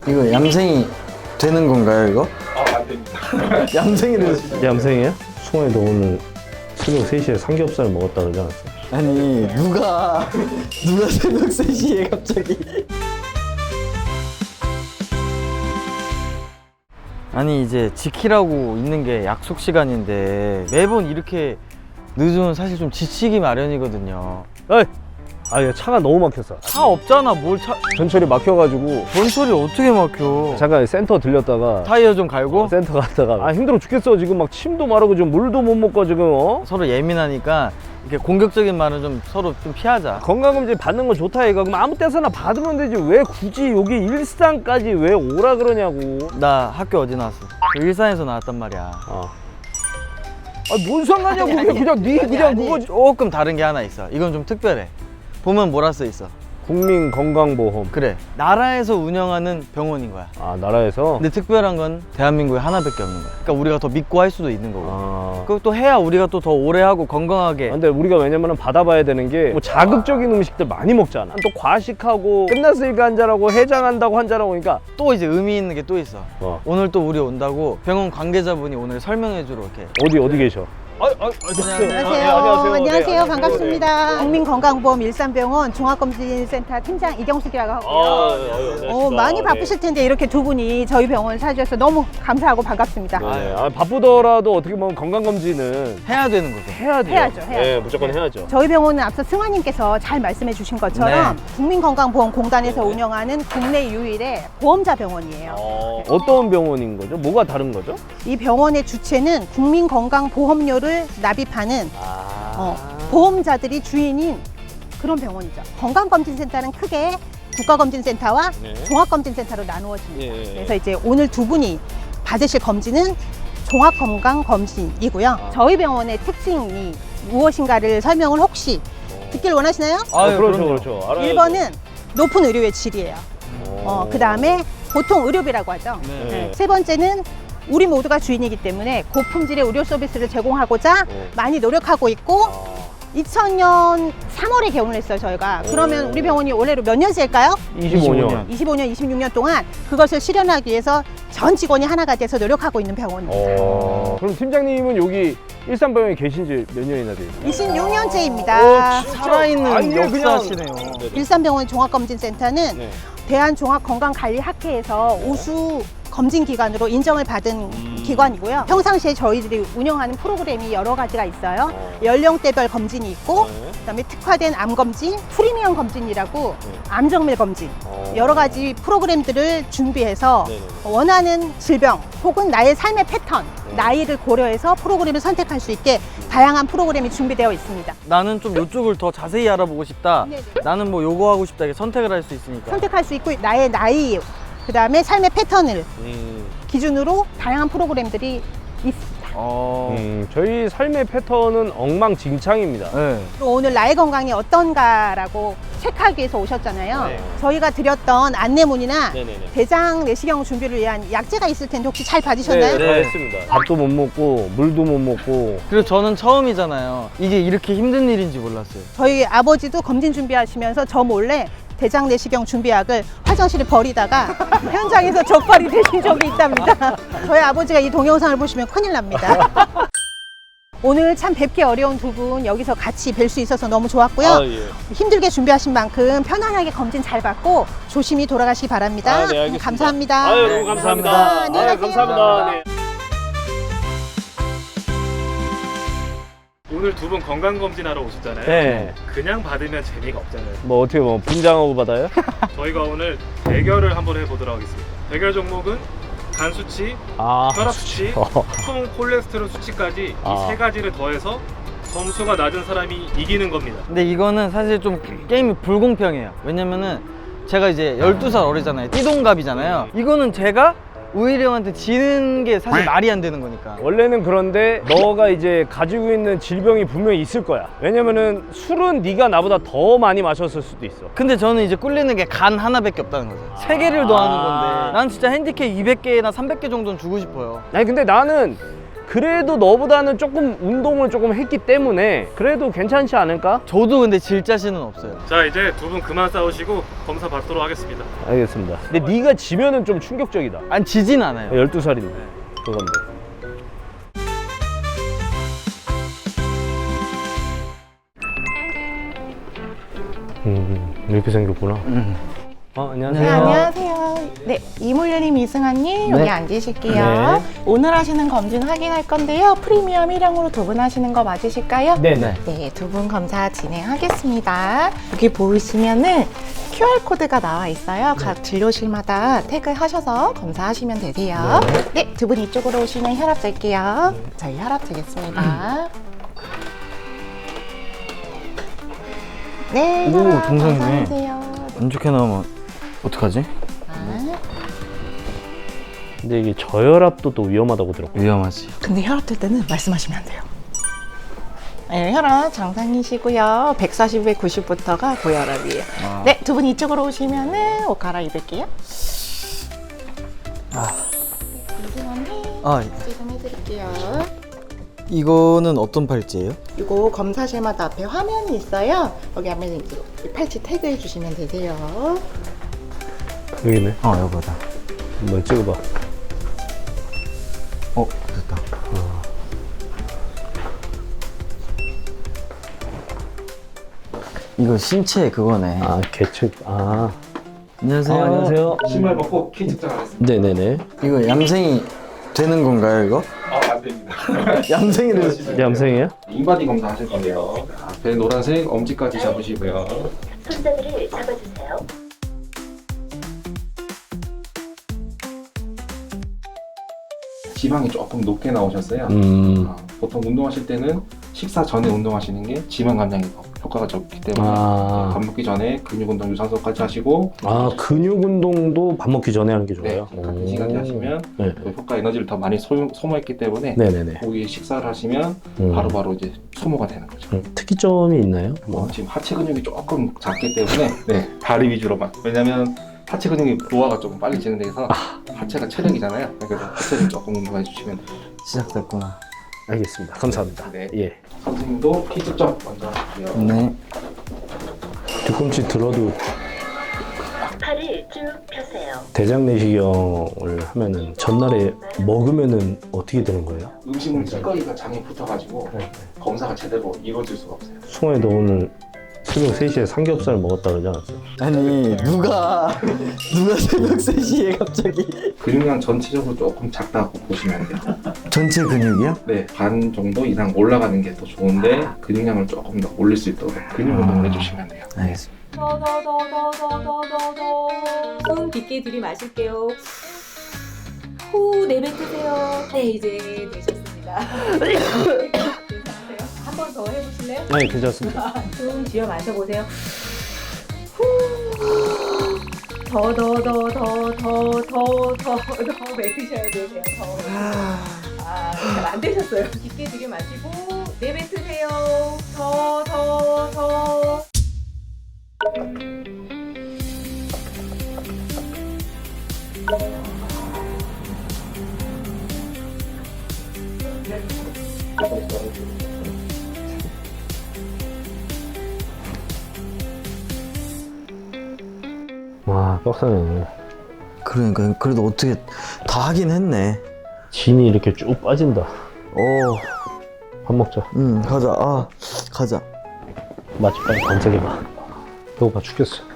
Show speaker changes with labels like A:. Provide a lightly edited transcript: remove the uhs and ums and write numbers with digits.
A: 이거 얌생이 되는 건가요, 이거?
B: 안 됩니다.
A: 얌생이를.
C: 얌생이야? 승환이 너 오늘 새벽 3시에 삼겹살 먹었다 그러지 않았어?
A: 아니, 누가 새벽 3시에 갑자기. 아니, 이제 지키라고 있는 게 약속 시간인데 매번 이렇게 늦으면 사실 좀 지치기 마련이거든요.
C: 에이! 아, 야, 차가 너무 막혔어.
A: 차 없잖아, 뭘 차.
C: 전철이 막혀가지고
A: 전철이 어떻게 막혀?
C: 잠깐 센터 들렸다가
A: 타이어 좀 갈고?
C: 센터 갔다가 아 힘들어 죽겠어. 지금 막 침도 마르고 지금 물도 못 먹고 지금
A: 서로 예민하니까 이렇게 공격적인 말은 좀 서로 좀 피하자.
C: 건강검진 받는 건 좋다 이거. 그럼 아무 때서나 받으면 되지 왜 굳이 여기 일산까지 왜 오라 그러냐고.
A: 나 학교 어디 나왔어? 일산에서 나왔단 말이야.
C: 뭔 상관이야 그게. 그냥 네 그냥 그거.
A: 조금 다른 게 하나 있어. 이건 좀 특별해. 보면 뭐라 써 있어?
C: 국민건강보험.
A: 그래, 나라에서 운영하는 병원인 거야.
C: 아 나라에서?
A: 근데 특별한 건 대한민국에 하나밖에 없는 거야. 그러니까 우리가 더 믿고 할 수도 있는 거고. 그리고 또 해야 우리가 또 더 오래 하고 건강하게.
C: 근데 우리가 왜냐면 받아봐야 되는 게 뭐 자극적인 음식들 많이 먹잖아. 또 과식하고 끝났으니까 한잔하고 해장한다고 한잔하고 그러니까
A: 또 이제 의미 있는 게 또 있어. 오늘 또 우리 온다고 병원 관계자분이 오늘 설명해 주러 이렇게.
C: 어디 계셔?
D: 안녕하세요. 안녕하세요. 반갑습니다. 국민건강보험 일산병원 종합검진센터 팀장 이경숙이라고 하고요. 많이 바쁘실 텐데 이렇게 두 분이 저희 병원 사주셔서 너무 감사하고 반갑습니다.
C: 네. 바쁘더라도 어떻게 보면 건강검진은
A: 해야 되는 거죠.
C: 해야 돼요.
D: 해야죠.
C: 네, 무조건 해야죠.
D: 저희 병원은 앞서 승환님께서 잘 말씀해 주신 것처럼 국민건강보험공단에서 운영하는 국내 유일의 보험자 병원이에요.
C: 어떤 병원인 거죠? 뭐가 다른 거죠?
D: 이 병원의 주체는 국민건강보험료를 납입하는 보험자들이 주인인 그런 병원이죠. 건강검진센터는 크게 국가검진센터와 종합검진센터로 나누어집니다. 그래서 이제 오늘 두 분이 받으실 검진은 종합건강검진이고요. 저희 병원의 특징이 무엇인가를 설명을 혹시 듣길 원하시나요?
C: 그렇죠. 알아야죠.
D: 1번은 높은 의료의 질이에요. 그 다음에 보통 의료비라고 하죠. 세 번째는 우리 모두가 주인이기 때문에 고품질의 의료 서비스를 제공하고자 많이 노력하고 있고 2000년 3월에 개원을 했어요, 저희가. 그러면 우리 병원이 올해로 몇 년째일까요?
C: 25년.
D: 25년, 26년 동안 그것을 실현하기 위해서 전 직원이 하나가 돼서 노력하고 있는 병원입니다.
C: 그럼 팀장님은 여기 일산병원에 계신 지 몇 년이나 돼요?
D: 26년째입니다.
A: 살아있는 역사시네요.
D: 일산병원 종합검진센터는 대한종합건강관리학회에서 우수 검진기관으로 인정을 받은 기관이고요. 평상시에 저희들이 운영하는 프로그램이 여러 가지가 있어요. 연령대별 검진이 있고 그다음에 특화된 암검진, 프리미엄 검진이라고 암정밀 검진 여러 가지 프로그램들을 준비해서 원하는 질병 혹은 나의 삶의 패턴, 나이를 고려해서 프로그램을 선택할 수 있게 다양한 프로그램이 준비되어 있습니다.
A: 나는 좀 이쪽을 더 자세히 알아보고 싶다.
D: 네네.
A: 나는 뭐 요거 하고 싶다. 이렇게 선택을 할 수 있으니까.
D: 선택할 수 있고 나의 나이, 그 다음에 삶의 패턴을 기준으로 다양한 프로그램들이 있습니다.
C: 저희 삶의 패턴은 엉망진창입니다.
A: 네.
D: 그리고 오늘 나의 건강이 어떤가라고 체크하기 위해서 오셨잖아요. 저희가 드렸던 안내문이나 대장 내시경 준비를 위한 약제가 있을 텐데 혹시 잘 받으셨나요?
C: 다 했습니다. 밥도 못 먹고 물도 못 먹고.
A: 그리고 저는 처음이잖아요. 이게 이렇게 힘든 일인지 몰랐어요.
D: 저희 아버지도 검진 준비하시면서 저 몰래 대장 내시경 준비약을 화장실에 버리다가 현장에서 적발이 되신 적이 있답니다. 저희 아버지가 이 동영상을 보시면 큰일 납니다. 오늘 참 뵙기 어려운 두 분 여기서 같이 뵐 수 있어서 너무 좋았고요. 힘들게 준비하신 만큼 편안하게 검진 잘 받고 조심히 돌아가시기 바랍니다.
C: 네, 알겠습니다.
D: 감사합니다.
C: 너무 감사합니다.
D: 안녕히 가세요.
C: 감사합니다. 네.
B: 오늘 두 분 건강검진하러 오셨잖아요.
C: 네.
B: 그냥 받으면 재미가 없잖아요.
C: 뭐 어떻게 뭐 분장하고 받아요?
B: 저희가 오늘 대결을 한번 해보도록 하겠습니다. 대결 종목은 간 수치, 혈압 수치, 총 콜레스테롤 수치까지 이 세 가지를 더해서 점수가 낮은 사람이 이기는 겁니다.
A: 근데 이거는 사실 좀 게임이 불공평해요. 왜냐면은 제가 이제 12살 어리잖아요. 띠동갑이잖아요. 이거는 제가 우일이 형한테 지는 게 사실 말이 안 되는 거니까.
C: 원래는 그런데 너가 이제 가지고 있는 질병이 분명히 있을 거야. 왜냐면은 술은 네가 나보다 더 많이 마셨을 수도 있어.
A: 근데 저는 이제 꿀리는 게 간 하나밖에 없다는 거죠. 3개를 더하는 건데 난 진짜 핸디캡 200개나 300개 정도는 주고 싶어요.
C: 아니 근데 나는 그래도 너보다는 조금 운동을 조금 했기 때문에 그래도 괜찮지 않을까?
A: 저도 근데 질 자신은 없어요.
B: 자, 이제 두 분 그만 싸우시고 검사 받도록 하겠습니다.
C: 알겠습니다. 근데 네가 지면은 좀 충격적이다.
A: 안 지진 않아요.
C: 12살인데 그건데. 이렇게 생겼구나. 안녕하세요.
E: 네, 안녕하세요. 네, 이물려님, 이승환님 여기 앉으실게요.
C: 네.
E: 오늘 하시는 검진 확인할 건데요. 프리미엄 1형으로 두 분 하시는 거 맞으실까요?
C: 네네.
E: 네, 두 분 검사 진행하겠습니다. 여기 보이시면은 QR코드가 나와 있어요. 각 진료실마다 태그하셔서 검사하시면 되세요. 네, 두 분 이쪽으로 오시면 혈압 잴게요. 저희 혈압 재겠습니다. 네,
A: 오,
E: 혈압
A: 정상이네.
E: 감사하세요.
A: 안 좋게 나오면 어떡하지?
C: 근데 이게 저혈압도 또 위험하다고 들었고.
A: 위험하지.
E: 근데 혈압 될 때는 말씀하시면 안 돼요. 네, 혈압 정상이시고요. 140에 90부터가 고혈압이에요. 네, 두 분 이쪽으로 오시면은 옷 갈아입을게요.
A: 아,
E: 지금 해드릴게요.
A: 이거는 어떤 팔찌예요?
E: 이거 검사실마다 앞에 화면이 있어요. 여기 하면 이제 팔찌 태그해 주시면 되세요.
C: 여기네.
A: 여기다.
C: 한번 찍어봐.
A: 됐다. 이거 신체 그거네.
C: 계측.
A: 안녕하세요.
C: 안녕하세요.
B: 신발 벗고 키 측정하겠습니다.
C: 네네네.
A: 이거 얌생이 되는 건가요, 이거?
B: 안 됩니다.
A: 얌생이를.
C: 얌생이에요?
B: 인바디 검사 하실 건데요. 앞에 노란색 엄지까지 잡으시고요.
F: 손잡이를 잡아주세요.
B: 지방이 조금 높게 나오셨어요. 보통 운동하실 때는 식사 전에 운동하시는 게 지방 감량이 더 효과가 적기 때문에 밥 먹기 전에 근육 운동 유산소까지 하시고
C: 근육 운동도 밥 먹기 전에 하는 게
B: 네,
C: 좋아요?
B: 같은 시간에 하시면
C: 네.
B: 그 효과 에너지를 더 많이 소모했기 때문에
C: 네네네.
B: 고기 식사를 하시면 바로바로 이제 소모가 되는 거죠.
C: 특이점이 있나요?
B: 지금 하체 근육이 조금 작기 때문에 네, 다리 위주로만. 왜냐면 하체 근육이 노화가 조금 빨리 진행돼서 하체가 체력이잖아요. 그래서 하체를 조금 운동해 주시면 돼요.
A: 시작됐구나.
C: 알겠습니다. 감사합니다.
B: 네.
C: 예.
B: 선생님도 키 측정 먼저 하실게요.
A: 네.
C: 뒤꿈치 들어도
F: 팔을 쭉 펴세요.
C: 대장 내시경을 하면은 전날에 먹으면은 어떻게 되는 거예요?
B: 음식물 찌꺼기가 장에 붙어가지고 검사가 제대로 이루어질 수가 없어요.
C: 승환이 너 오늘 새벽 3시에 삼겹살 먹었다 그러지 않았어요?
A: 아니, 누가 새벽 3시에 갑자기.
B: 근육량 전체적으로 조금 작다고 보시면 돼요.
A: 전체 근육이요?
B: 네, 반 정도 이상 올라가는 게 더 좋은데 근육량을 조금 더 올릴 수 있도록 근육 운동을 해주시면 돼요.
A: 알겠습니다.
G: 숨 깊게 들이마실게요. 후 내뱉으세요. 네, 이제 되셨습니다. 괜찮으세요? 한 번 더 해보실래요?
C: 네, 괜찮습니다.
G: 숨 쥐어 마셔보세요. 후. 더 뱉으셔야 되세요. 잘 안 되셨어요. 깊게 들이마시고 내뱉으세요. 더.
C: 와, 빡세네.
A: 그러니까 그래도 어떻게 다 하긴 했네.
C: 진이 이렇게 쭉 빠진다. 밥 먹자.
A: 가자. 가자.
C: 맛집 빨리 검색해봐. 배고파 죽겠어.